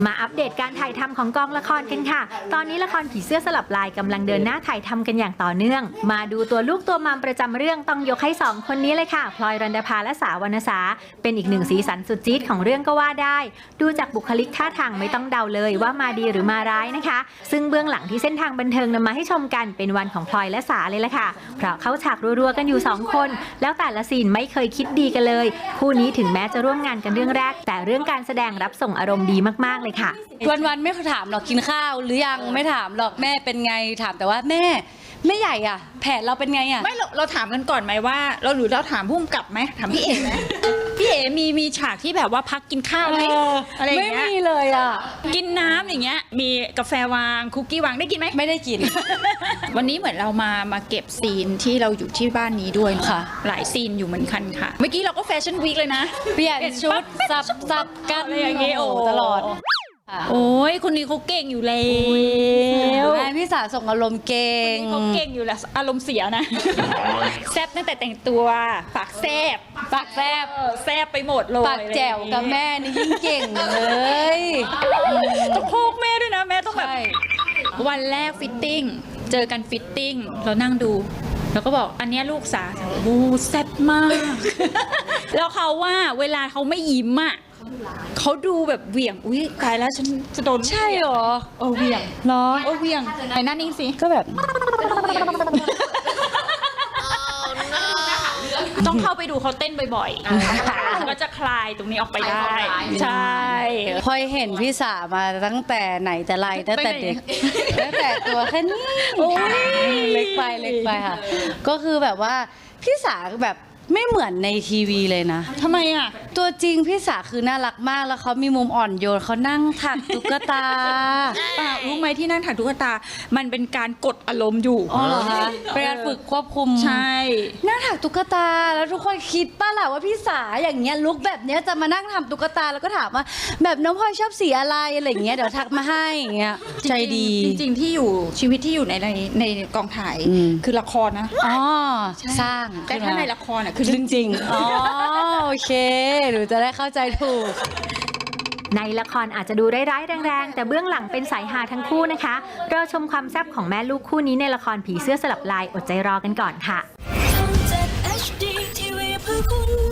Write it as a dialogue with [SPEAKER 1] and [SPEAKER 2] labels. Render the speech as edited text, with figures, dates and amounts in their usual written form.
[SPEAKER 1] มาอัปเดตการถ่ายทำของกองละครกันค่ะ ตอนนี้ละครผีเสื้อสลับลายกำลังเดินหน้าถ่ายทำกันอย่างต่อเนื่อง มาดูตัวลูกตัวมัมประจำเรื่องต้องยกให้2คนนี้เลยค่ะ พลอยรันดาภาและสาววรรณสาเป็นอีกหนึ่งสีสันสุดจี๊ดของเรื่องก็ว่าได้ ดูจากบุคลิกท่าทางไม่ต้องเดาเลยว่ามาดีหรือมาร้ายนะคะ ซึ่งเบื้องหลังที่เส้นทางบันเทิงนำมาให้ชมกันเป็นวันของพลอยและสาเลยละค่ะ เพราะเข้าฉากรัวๆกันอยู่2คนแล้วแต่ละซีนไม่เคยคิดดีกันเลยคู่นี้ถึงแม้จะร่วมงานกันเรื่องแรกแต่เรื่องการแสดงรับส่งอารมณ์ดีมากๆเลยค่ะ
[SPEAKER 2] วันๆไม่ถามหรอกกินข้าวหรือยังไม่ถามหรอกแม่เป็นไงถามแต่ว่าแม่ใหญ่อะแผนเราเป็นไงอะ
[SPEAKER 3] ไม่เราถามกันก่อนไหมว่าเราถามผู้กำกับไหมถามพี่เอ๋ไหม พี่เอ๋มีฉากที่แบบว่าพักกินข้าวไหมอะไรอย่าง
[SPEAKER 2] ไม่
[SPEAKER 3] เงี้ย
[SPEAKER 2] มีเลยอะ
[SPEAKER 3] กินน้ำอย่างเงี้ยมีกาแฟวางคุกกี้วางได้กินไหม
[SPEAKER 2] ไม่ได้กิน
[SPEAKER 3] วันนี้เหมือนเรามาเก็บซีนที่เราอยู่ที่บ้านนี้ด้วย
[SPEAKER 2] ค่ะ
[SPEAKER 3] หลายซีนอยู่เหมือนกันค่ะ เมื่อกี้เราก็แฟชั่นวีคเลยนะ
[SPEAKER 2] เปลี่ยนชุดสับกัน
[SPEAKER 3] อะไรอย่างเงี้ย
[SPEAKER 2] โอ้ตลอด
[SPEAKER 3] โอ้ยคนนี้เขาเก่งอยู่แล้ว
[SPEAKER 2] แม่พี่สาวส่งอารมณ์เก่ง
[SPEAKER 3] เขาเก่งอยู่แล้วอารมณ์เสียนะ แซบตั้งแต่แต่งตัวปากแซบ
[SPEAKER 2] ปากแซบ
[SPEAKER 3] แซบไปหมดเลย
[SPEAKER 2] ปากแจ๋วกับแม่นี่ยิ่งเก่งเลย
[SPEAKER 3] ต้องโคกแม่ด้วยนะแม่ต้องแบบ
[SPEAKER 2] ใช่
[SPEAKER 3] วันแรกฟิตติ้งเจอกันฟิตติ้งเรานั่งดู แล้วก็บอกอันเนี้ยลูกสาบูแซ่บมาก แล้วเขาว่าเวลาเขาไม่ยิ้มอ่ะเขาดูแบบเหวี่ยงอุ้ยตายแล้วฉันจะโดน
[SPEAKER 2] ใช่เหรอ
[SPEAKER 3] เหวี่ยง
[SPEAKER 2] เหรอ
[SPEAKER 3] เหวี่ยงไหนหน้านิ่งสิ
[SPEAKER 2] ก็แบบ
[SPEAKER 3] ต้องเข้าไปดูเขาเต้นบ่อยๆก็จะคลายตรงนี้ออกไปได้ ใช่
[SPEAKER 2] พลอยเห็นพี่สามาตั้งแต่ไหนแต่ไรตั้งแต่เด็กตั้งแต่ตัวแค่นี้เล็กไปค่ะ ก็คือแบบว่าพี่สาแบบไม่เหมือนในทีวีเลยนะ
[SPEAKER 3] ทำไมอ่ะ
[SPEAKER 2] ตัวจริงพี่สาคือน่ารักมากแล้วเขามีมุมอ่อนโยนเขานั่งถักตุ๊กตา
[SPEAKER 3] รู้ไหมที่นั่งถักตุ๊กตา มันเป็นการกดอารมณ์อยู่
[SPEAKER 2] อ๋อเหรอคะเป็นการฝึกควบคุม
[SPEAKER 3] ใช่
[SPEAKER 2] นั่งถักตุ๊กตาแล้วทุกคนคิดป่ะล่ะว่าพี่สาอย่างเงี้ยลุคแบบเนี้ยจะมานั่งทำตุ๊กตาแล้วก็ถามว่าแบบน้องพลอยชอบสีอะไรอะไรอย่างเงี้ยเดี๋ยวทักมาให้อย่างเงี้ยใจดี
[SPEAKER 3] จริงๆที่อยู่ชีวิตที่อยู่ในกองถ่าย
[SPEAKER 2] อืม
[SPEAKER 3] คือละครนะ
[SPEAKER 2] อ๋อสร้าง
[SPEAKER 3] แต่ถ้าในละครอ่ะคือ
[SPEAKER 2] จริงๆอ๋อโอเคหนูจะได้เข้าใจถูก
[SPEAKER 1] ในละครอาจจะดูร้ายๆแรงๆแต่เบื้องหลังเป็นสายฮาทั้งคู่นะคะรอชมความแซ่บของแม่ลูกคู่นี้ในละครผีเสื้อสลับลายอดใจรอกันก่อนค่ะ
[SPEAKER 4] ช่อง 7 HD TV เพื่อคุณ